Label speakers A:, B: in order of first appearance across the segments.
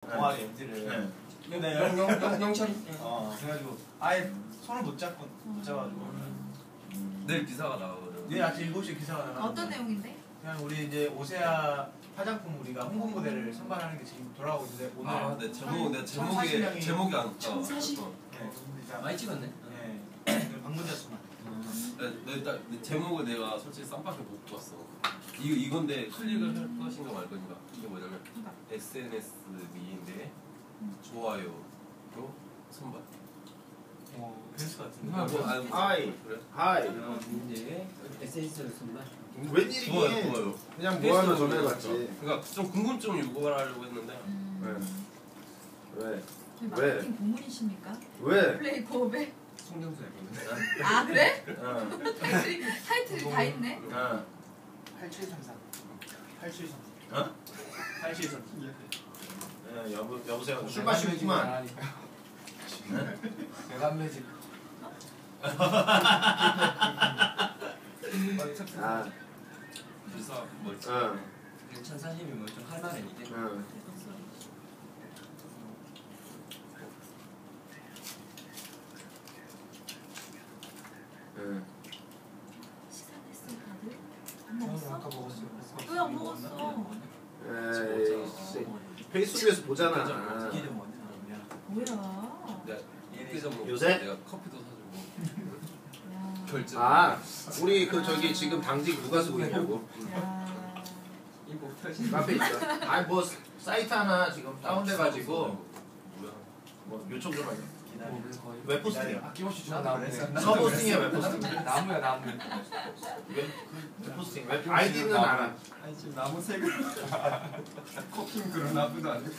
A: 동아리 MT를. 근데
B: 영철이.
A: 그래가지고 아예 손을 못 잡아가지고.
C: 내일 기사가 나오거든.
A: 내일 아침 7시에 기사가 나가.
D: 어떤 내용인데?
A: 그냥 우리 이제 오세아 화장품 우리가 홍보 모델을 선발하는 게 지금 돌아오고 있는데 오늘
C: 내 제목이 안 떠.
B: 많이 찍었네.
A: 네. 방문자 수만.
C: 내 제목을 내가 솔직히 쌈밖에 못 봤어. 이건데 클릭을 할 것인가 말 것인가. 이게 뭐냐면 SNS 미인데 좋아요로 선발.
A: 그랬을 것 같은데.
E: 하이.
C: 그래?
E: 하이.
B: 이제 SNS를 쓴다.
E: 웬일이긴.
C: 좋아요.
E: 그냥 뭐 하나 전해봤지.
C: 그러니까 좀 궁금증 유발하려고 했는데.
E: 왜?
D: 마케팅 고문이십니까?
E: 왜?
D: 플레이 고업에?
B: 송정수 앨범.
D: 아 그래? 타이틀이 다 있네?
A: 8733. 8733.
E: 어?
A: 8733.
E: 여보세요. 술 마시고만.
B: 대단 매직.
C: 기사 뭐지?
B: 천사님이 뭐 좀 할 말은 이게.
D: 식사했어 다들? 안 먹었어?
B: 아까 먹었어요.
D: 왜 안 먹었어?
E: 에이, 페이스북에서 보잖아.
D: 뭐야?
E: 요새?
C: 내가 커피도 사주고 결제.
E: 우리 그 저기 지금 당직 누가 쓰고 있냐고.
B: 이거 펴진.
E: 카페 있어. 뭐 사이트 하나 지금 다운돼가지고
C: 뭐야?
E: 뭐 요청 좀 하냐.
B: 웹포스팅. 아낌없이 주는 나무.
E: 서포스팅이야 웹포스팅.
B: 나무야 나무.
E: 웹포스팅. 아이디는 알아.
B: 아니 지금 나무 색을. 커피는 그런 나무도 안 돼.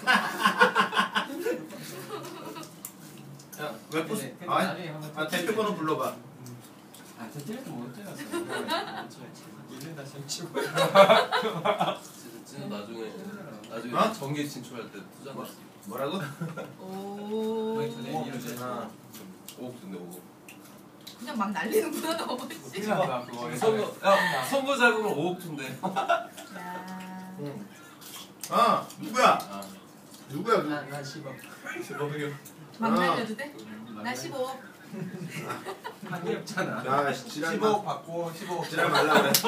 E: 야 웹포스팅. 대표 번호 불러봐.
B: 대표는 못 찍었어. 얘는 다시 치고.
C: 진짜 나중에 정계 진출할 때 투자 났어.
E: 뭐라고?
D: 오.
C: 5억 준대 5억.
D: 그냥 막 날리는구나 너무 씨.
C: 선거 자금을 5억 준대.
D: 야.
E: 누구야? 누구야?
B: 난 10억.
C: 10억이요.
D: 막 날려도 돼? 나 15억.
B: 한개 없잖아.
E: 야 15억
A: 받고 15억
E: 지랄 말라 그래.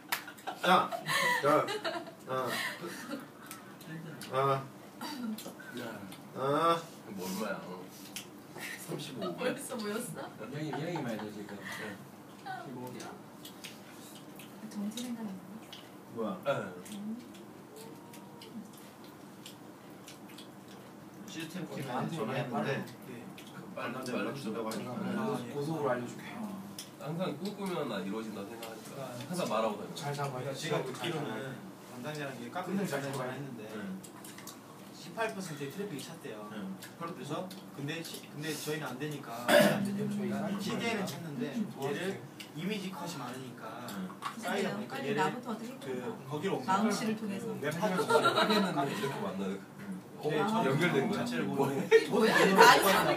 C: 뭐 얼마야? 35억.
D: 벌써 모였어?
B: 명이 말이야 지금. 15억이야.
D: 정치 생각이
E: 뭐야? 시스템 팀에 전화했는데 빨리 준다고 하니까
B: 고속으로 알려줄게.
C: 항상 꿈꾸면 이루어진다 생각하니까 항상 말하고 다녀.
B: 잘 잡아요.
A: 제가 듣기로는 담당자랑 카페를 잘 전화했는데 18%의 트래픽이 찼대요. 그래서 근데 저희는 안 되니까 저희가 시대에는 찾는데 얘를 이미지 컷이 많으니까 쌓이다 보니까
D: 빨리
A: 얘를
D: 나부터 어떻게
A: 거기로 옮겨.
D: 마음 씨를 통해서.
A: 웹하고
C: 하겠는데 이렇게 만나요. 연결된 거야.
A: 자체를 모르고
D: 뭐야? 나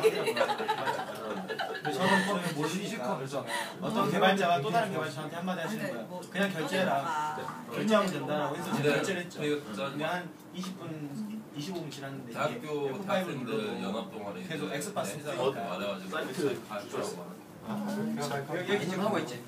A: 저는 모르니까 어떤 개발자가 또 다른 개발자한테 한마디 하시는 거야. 그냥 결제해라. 결제하면 된다라고 해서 제가 결제를 했죠. 근데 한 25분 지났는데
C: 대학교 대학생들 연합 동아리
A: 계속 엑스파스
C: 회사한테 말해가지고
E: 사이트
B: 여기 지금 하고 있지.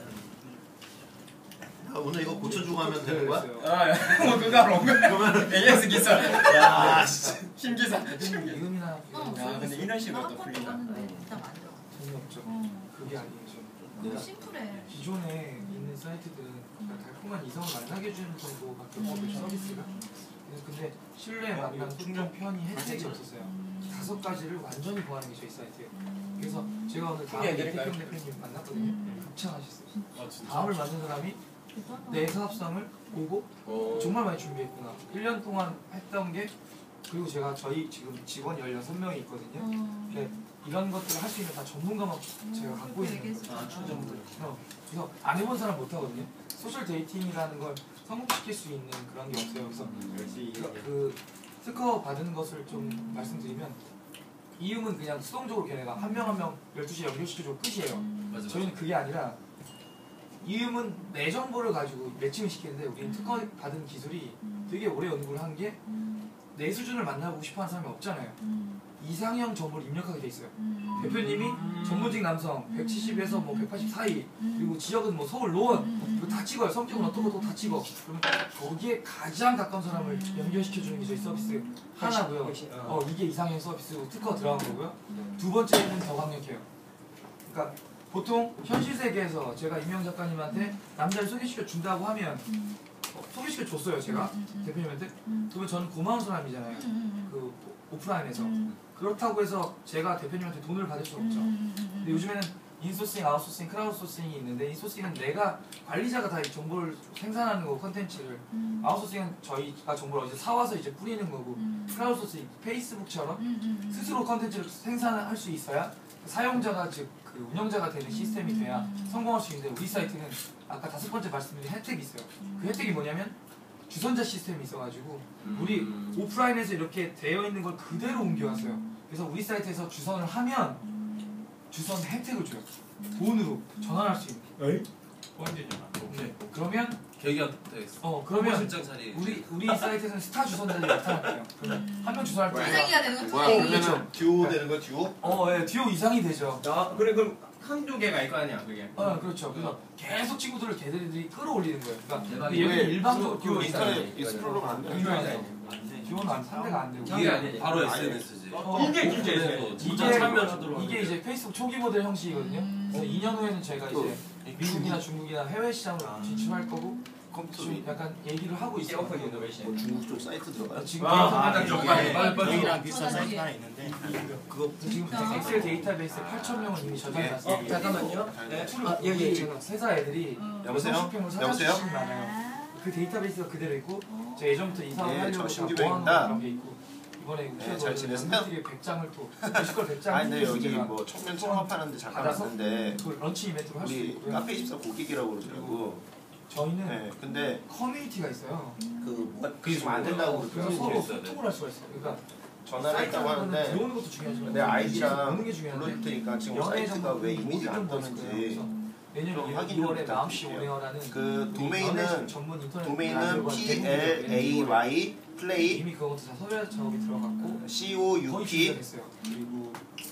E: 오늘 이거 고쳐주고 하면 되는 거야?
B: 뭐 그거로 온 거야. AS 기사. 야, 힘 기사. 이금이나. 야, 근데 인원식으로 또 풀린다.
D: 진짜 많아.
B: 재미없죠. 그게 아니죠.
D: 너무 심플해.
B: 기존에 있는 사이트들은 달콤한 이성을 만나게 해주는 정도밖에 없거든요, 서비스가. 근데 실내 만남 충전 편의 혜택이 없었어요. 5가지를 완전히 보완한 게 저희 사이트예요. 그래서 제가 오늘 다음에 이태경 대표님 만났거든요. 극찬하셨어요. 다음을 만든 사람이 내 사업성을 보고 정말 많이 준비했구나. 1년 동안 했던 게, 그리고 제가 저희 지금 직원 16명이 있거든요. 이런 것들을 할 수 있는 다 전문가만 제가 갖고 있는 거예요. 그래서 안 해본 사람 못 하거든요. 소셜 데이팅이라는 걸 성공시킬 수 있는 그런 게 없어요. 그래서 그 특허 받은 것을 좀 말씀드리면, 이음은 그냥 수동적으로 걔네가 한 명 한 명 12시에 연결시켜주고 끝이에요. 저희는 그게 아니라 이음은 내 정보를 가지고 매칭을 시키는데, 우리는 특허 받은 기술이 되게 오래 연구를 한 게 내 수준을 만나고 싶어하는 사람이 없잖아요. 이상형 정보를 입력하게 돼 있어요. 대표님이 전문직 남성 170에서 뭐 180 사이 그리고 지역은 뭐 서울 노원 이거 다 찍어요. 성격은 어떻고 다 찍어. 그러면 거기에 가장 가까운 사람을 연결시켜 주는 게 저희 서비스 하나고요. 이게 이상형 서비스 특허 들어간 거고요. 두 번째는 더 강력해요. 그러니까 보통 현실 세계에서 제가 임영 작가님한테 남자를 소개시켜 준다고 하면 소개시켜 줬어요 제가 대표님한테. 그러면 저는 고마운 사람이잖아요. 그 오프라인에서. 그렇다고 해서 제가 대표님한테 돈을 받을 수 없죠. 근데 요즘에는 인소싱, 아웃소싱, 크라우드소싱이 있는데 인소싱은 내가 관리자가 다 이 정보를 생산하는 거고 컨텐츠를, 아웃소싱은 저희가 정보를 어디서 사와서 이제 뿌리는 거고, 크라우드소싱 페이스북처럼 스스로 컨텐츠를 생산할 수 있어야 사용자가 즉 그 운영자가 되는 시스템이 돼야 성공할 수 있는데, 우리 사이트는 아까 5번째 말씀드린 혜택이 있어요. 그 혜택이 뭐냐면 주선자 시스템이 있어가지고 우리 오프라인에서 이렇게 되어 있는 걸 그대로 옮겨왔어요. 그래서 우리 사이트에서 주선을 하면 주선 혜택을 줘요. 돈으로 전환할 수 있는.
A: 언제냐?
B: 네. 그러면
C: 계기한테
B: 그러면
C: 실장 자리
B: 우리 사이트에서는 스타 주선자들이 나타날게요. 그러면 한 명 주선할 때
D: 투쟁이가 되는 거
E: 뭐야
D: 투쟁이.
E: 그러면 듀오 되는 거 듀오?
B: 예, 듀오 이상이 되죠.
F: 그래 그럼 한두 개가 있거 아니야 그게.
B: 그렇죠. 그래서 계속 친구들을 걔들이 끌어올리는 거예요. 그러니까
F: 대박이다.
B: 얘는
E: 왜
B: 일방적으로
F: 듀오
E: 인터넷 익스플로러가 안 돼?
B: 듀오는 안 상대가 안 되고.
C: 이게 바로 SNS지.
F: 이게 진짜
C: 진짜 참여하도록
B: 이게 이제 페이스북 초기 모델 형식이거든요. 그래서 2년 후에는 제가 이제 미국이나 중국이나 해외 시장으로 진출할 거고, 지금 약간 얘기를 하고 있어요.
F: 오픈 이노베이션.
E: 뭐 중국 쪽 사이트 들어가요?
B: 지금
A: 여기랑 비슷한 사이트가 하나 있는데 그거
B: 지금 엑셀 데이터베이스에 8,000명은 이미 저장해놨어요.
F: 잠깐만요.
E: 네.
F: 여기
B: 제가 회사 애들이
E: 여보세요?
B: 쇼핑몰 사장
E: 여보세요?
B: 출신이 많아요. 그 데이터베이스가 그대로 있고, 제가 예전부터 이사를
E: 네,
B: 하려고
E: 저
B: 다
E: 신규백입니다.
B: 모아놓은 그런 게 있고, 이번에
E: 네, 잘 지내세요?
B: 연구실에 100장을 또 뮤지컬 100장
E: 아니 근데 여기 뭐 청년 창업하는데 잠깐
B: 받아서
E: 왔는데
B: 그걸 런치 이벤트로 할 수
E: 우리
B: 있고요.
E: 카페24 고객이라고 그러더라고.
B: 저희는
E: 네, 근데
B: 커뮤니티가 있어요.
E: 그게 좀 안 된다고
B: 그래서
E: 그러더라고.
B: 서로 소통을 할 수가 있어요. 그러니까
E: 전화를 했다고 하는데
B: 들어오는 것도 중요하지만
E: 내 아이디랑
B: 오는 게 중요한데,
E: 불러줄 테니까 지금
B: 연애
E: 사이트가
B: 정보
E: 왜 이미지가 안
B: 모든 걸 있을 거예요.
E: 떴는지
B: 그래서 내년
E: 좀 확인 좀
B: 2월에 마음씨
E: 부탁드릴게요.
B: 오네어라는
E: 그 도메인은
B: 전문 인터넷
E: 도메인은
B: 라디오가
E: PLAY 플레이
B: 이미 그것도 다 섭외 작업이 들어갔고 거의
E: COUP
B: 준비가 됐어요. 그리고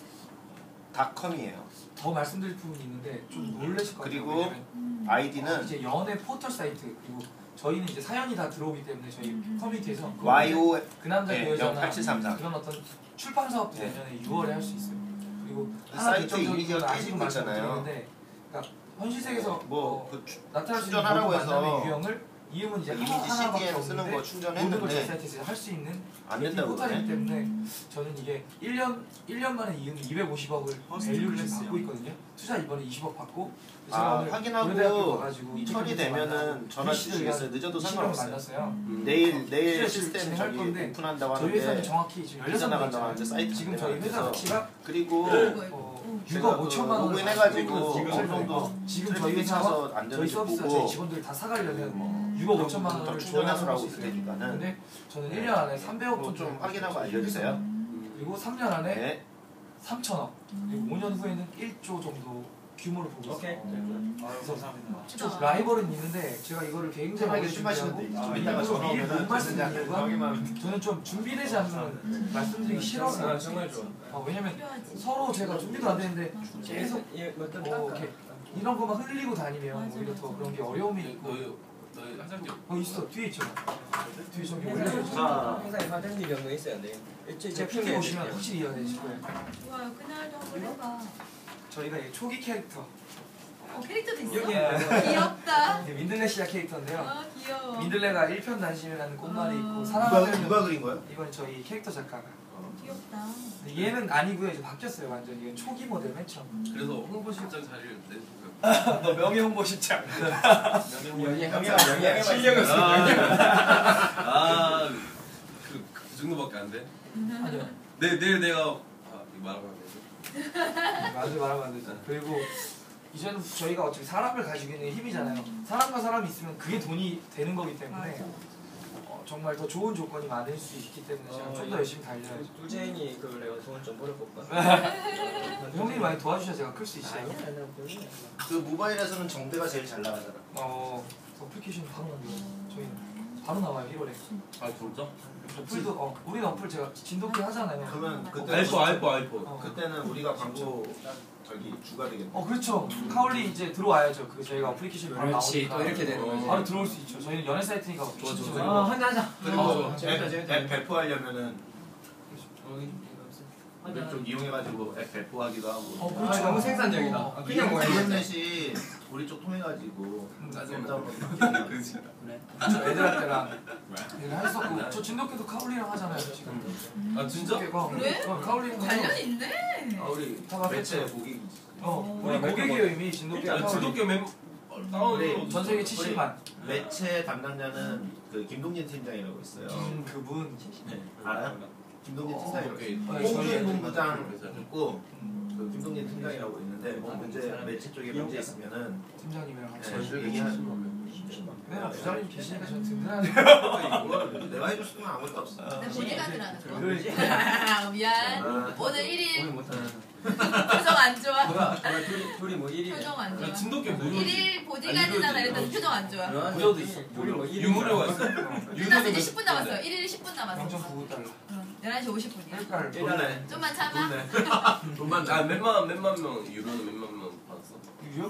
E: .com이에요.
B: 더 말씀드릴 부분이 있는데 좀 놀라실 것 같아요.
E: 그리고
B: 왜냐면
E: 아이디는
B: 이제 연애 포털 사이트, 그리고 저희는 이제 사연이 다 들어오기 때문에 저희 커뮤니티에서
E: YO
B: 그 남자 그 여자나
E: 08733
B: 그런 어떤 출판 사업도
E: 네.
B: 내년에 6월에 할 수 있어요. 그리고
E: 사이트
B: 결정적인
E: 이미지가
B: 건 아직은
E: 깨지고
B: 말씀 못
E: 있잖아요.
B: 드리는데, 그러니까 현실 세계에서
E: 뭐
B: 나타날 수 있는
E: 충전하라고
B: 모든
E: 해서
B: 만남의 유형을 이음은 이제
E: 이미지
B: 하나밖에
E: CDN 쓰는 거
B: 없는데 모든 걸 저희
E: 충전했는데
B: 사이트에서 할 수 있는
E: 안 된다고
B: 포털이기
E: 그러네.
B: 때문에 저는 이게 1년 만에 이음이 250억을 밸류를 받고 있거든요. 투자 이번에 20억 받고, 제가 오늘 고려대학교
E: 확인하고
B: 가가지고
E: 처리되면은 전화 주시겠어요? 늦어도 상관없어요.
B: 만났어요.
E: 내일
B: 실시간
E: 시스템
B: 진행할
E: 저기
B: 건데
E: 오픈한다고
B: 저희 회사는
E: 하는데
B: 정확히 지금
E: 비자
B: 16명
E: 나간다고 하는데 사이트
B: 지금 저희 회사 가치가
E: 그리고
B: 6억 5천만 원을
E: 로그인해가지고
B: 지금
E: 어느 정도
B: 지금 저희
E: 트래픽이
B: 회사와
E: 차서 안
B: 저희
E: 되는지
B: 서비스와 저희
E: 보고
B: 직원들 다 사가려면
E: 뭐
B: 6억 5천만 원을
E: 좀
B: 조달할
E: 충전하라고
B: 수 있어요.
E: 그러니까는
B: 근데 저는
E: 네.
B: 1년 안에 300억
E: 그거
B: 돈
E: 좀 확인하고 알려주세요.
B: 그리고 3년 안에
E: 네.
B: 3천억, 그리고 5년 후에는 1조 정도 규모를 보고
F: 오케이.
B: 있어요.
A: 아유 감사합니다.
B: 좀 라이벌은 있는데 제가 이거를 굉장히 오래
E: 술 마시면 돼.
B: 준비하고
E: 좀 이따가 전화
B: 미리
E: 오면은
B: 못 말씀드린 이유가 저는 좀 준비되지 않으면 말씀드리기 싫어서.
F: 정말 좋아.
B: 왜냐면
D: 필요하지.
B: 서로 제가 준비도 안 되는데 계속
F: 이렇게
B: 이렇게 이런 것만 흘리고 다니면 오히려 더 그런 게 어려움이 있고.
C: 너희 사장님
B: 있어, 뒤에 있죠. 뒤에 저기 올려.
F: 회사에 사장님 경로 있어야 돼.
B: 제 PT 오시면 확실히 이해되실 거예요.
D: 좋아요. 그날도 한번 해봐.
B: 저희가 이 초기 캐릭터
D: 캐릭터도 있어?
B: 여기
D: 귀엽다.
B: 민들레시아 캐릭터인데요.
D: 귀여워.
B: 민들레가 일편단심이라는 꽃말이 있고
E: 누가
B: 사랑하는
E: 그린 거야?
B: 이건 저희 캐릭터 작가가.
D: 귀엽다.
B: 근데 얘는 아니고요. 이제 바뀌었어요. 완전 이건 초기 모델 맨 처음.
C: 그래서 홍보실장 자리를 내주고요.
B: 너 명예 홍보실장.
F: 영예 실력이 없어.
C: 그 정도밖에 안 돼?
B: 아니요.
C: 내일 내가 이거 말하면 안 되죠?
B: 맞아, 말하면 안 되죠. 그리고 이제는 저희가 어차피 사람을 가지고 있는 힘이잖아요. 사람과 사람이 있으면 그게 돈이 되는 거기 때문에 정말 더 좋은 조건이 많을 수 있기 때문에 제가 좀 더 열심히 달려야죠.
F: 꿀쟁이 그걸 내가 돈 좀 벌어볼까?
B: 형님이 많이 도와주셔야 제가 클 수 있어요.
E: 그 모바일에서는 정대가 제일 잘 나가더라.
B: 어플리케이션 바로 만들어요. 저희는 바로 나와요 1월에.
C: 아 진짜?
B: 어플도 우리는 어플 제가 진돗개 하잖아요.
E: 그러면 그때
C: 알포.
E: 그때는 우리가 광고 저기 주가 되겠네.
B: 그렇죠. 카울리 이제 들어와야죠. 그 저희가 어플리케이션 바로
F: 그렇지
B: 나오니까
F: 또 이렇게 되는 거지.
B: 바로 들어올 수 있죠. 저희는 연예 사이트니까
C: 좋아.
F: 혼자 하자.
E: 그리고
F: 재밌다, 재밌다.
E: 앱 배포하려면은 우리 좀 이용해가지고 앱 배포하기도 하고.
B: 그렇죠.
F: 너무 생산적이다. 그냥 뭐
E: 인터넷이 우리 쪽 통해가지고
C: 짜증나. 그렇지.
B: 저 애들한테랑 얘를 했었고 저 진돗개도 카울리랑 하잖아요 지금.
C: 아 진짜?
B: 진돗개가
D: 그래?
B: 카울리랑 해서
D: 관련 있네.
E: 우리
B: 다
E: 매체 고객.
B: 우리 고객이에요 이미 진돗개랑 카울리.
C: 진돗개 멤 다운로드
B: 전 세계 70만.
E: 매체 담당자는 그 김동진 팀장이라고 있어요.
B: 그분
E: 네. 알아요? 김동진 팀장이라고
C: 오케이.
E: 홍준 본부장 있고 그 김동진 팀장이라고 있는데 뭐 문제 매체 쪽에 문제 있으면은
B: 팀장님이랑 같이
E: 네, 얘기하는 거.
B: 그냥 부장님 계시니까 전 든든하네요.
E: 이거 내가 해줬으면 아무것도 없어.
D: 내 보디가드라는 거.
B: 그러니까.
D: 미안. 오늘 1일
F: 오늘 못하네.
D: 표정 안 좋아.
F: 뭐야? 둘이 뭐 1위.
D: 표정 안 좋아.
C: 진돗개 뭐야?
D: 1일 보디가드잖아 이랬더니 표정 안 좋아.
B: 구조도 있어.
F: 우리 뭐 1위.
C: 유무료가 있어.
D: 끝났어. 이제 10분 남았어. 1일 10분 남았어.
B: 0.99달러.
D: 11시 50분이야.
B: 그러니까
E: 돈네.
D: 좀만 참아.
E: 돈만
C: 아 몇만 명 유료는 몇만 명 받았어?
B: 유료?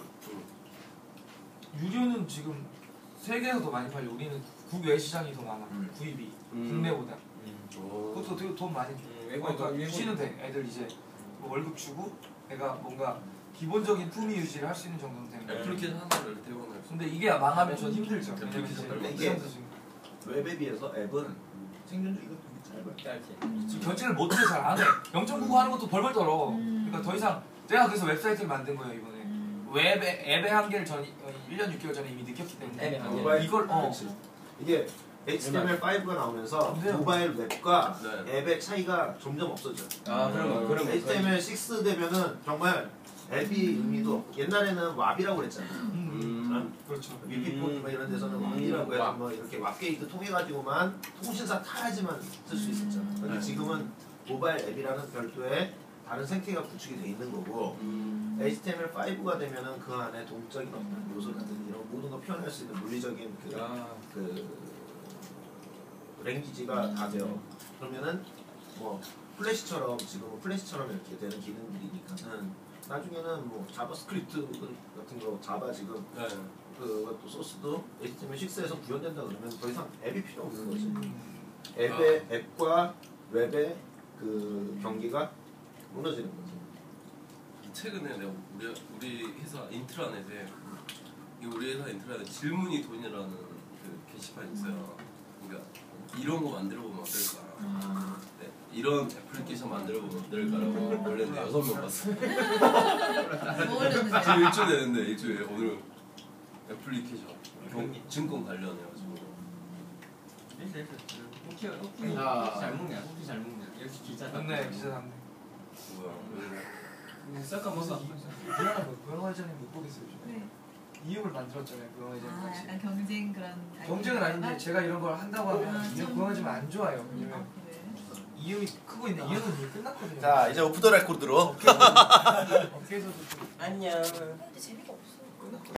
B: 유료는 지금 세계에서 더 많이 팔려. 우리는 국외 시장이 더 많아. 구입이 국내보다. 그것도 되게 돈 많이 줘. 그러니까 유지는 돼. 애들 이제 뭐 월급 주고 내가 뭔가 기본적인 품위 유지를 할 수 있는 정도는 되는 거야.
C: 애플리케이션 하나를 대원을.
B: 근데 이게 망하면 전 힘들죠. 왜냐면
E: 이게
B: 이제
E: 웹에 비해서 앱은 생존 주기가 되게 짧아요.
B: 지금 결제를 못해 잘 안 해. 0.99 하는 것도 벌벌 떨어. 그러니까 더 이상 내가 그래서 웹사이트를 만든 거예요 이번에. 앱의 한계를 전 1년 6개월 전에 이미 느꼈기 때문에
F: 앱의 한계.
E: 모바일
B: 이걸
E: 이게 HTML5가 나오면서
B: 안 돼요.
E: 모바일 웹과
C: 네.
E: 앱의 차이가 점점 없어져.
F: 그런 거.
E: HTML6 되면은 정말 앱이 의미도 없고 옛날에는 왑이라고 그랬잖아.
B: 그렇죠.
E: 위피폰 뭐 이런 데서는 왑이라고 해서 뭐 이렇게 왑게이트 통해가지고만 통신사 타야지만 쓸 수 있었잖아. 근데 지금은 모바일 앱이라는 별도의 다른 생태계가 구축이 돼 있는 거고 HTML5가 되면은 그 안에 동적인 어떤 요소라든지 이런 모든 걸 표현할 수 있는 물리적인 그 랭귀지가 다 돼요. 그러면은 뭐 플래시처럼 지금은 플래시처럼 이렇게 되는 기능들이니까는 나중에는 뭐 자바스크립트 같은 거 자바 지금 그것도 소스도 HTML6에서 구현된다 그러면 더 이상 앱이 필요 없는 거지. 앱과 웹의 그 경계가 무너지는 거지.
C: 최근에 내가 우리 회사 인트라넷에 우리 회사 인트라넷 질문이 돈이라는 그 게시판이 있어요. 그러니까 이런 거 만들어보면 어떨까? 네, 이런 애플리케이션 만들어보면 어떨까라고 원래는 6명 봤어.
D: 뭐 올렸는데?
C: 지금 일주일 됐는데 일주일에 오늘 애플리케이션 증권 관련해가지고.
F: 혹시 잘 먹냐? 혹시 잘 먹냐? 역시 기자.
B: 맞네 기자 맞네.
C: 뭐야?
F: 쌀까 먹어.
B: 고영화전에 못 보겠어요 요즘.
D: 네.
B: 이음을 만들었잖아요 고영화전 같이.
D: 약간 경쟁 그런.
B: 경쟁은 아닌데 제가 이런 걸 한다고 하면 이음 고영화전 안 좋아요. 왜냐면
D: 그래.
B: 이음이 크고 있는데 이음은 이미 끝났거든요.
E: 자 이제 오프 더 레코드로
B: 어깨에서도 좀
F: 안녕.
D: 근데 재미가 없어.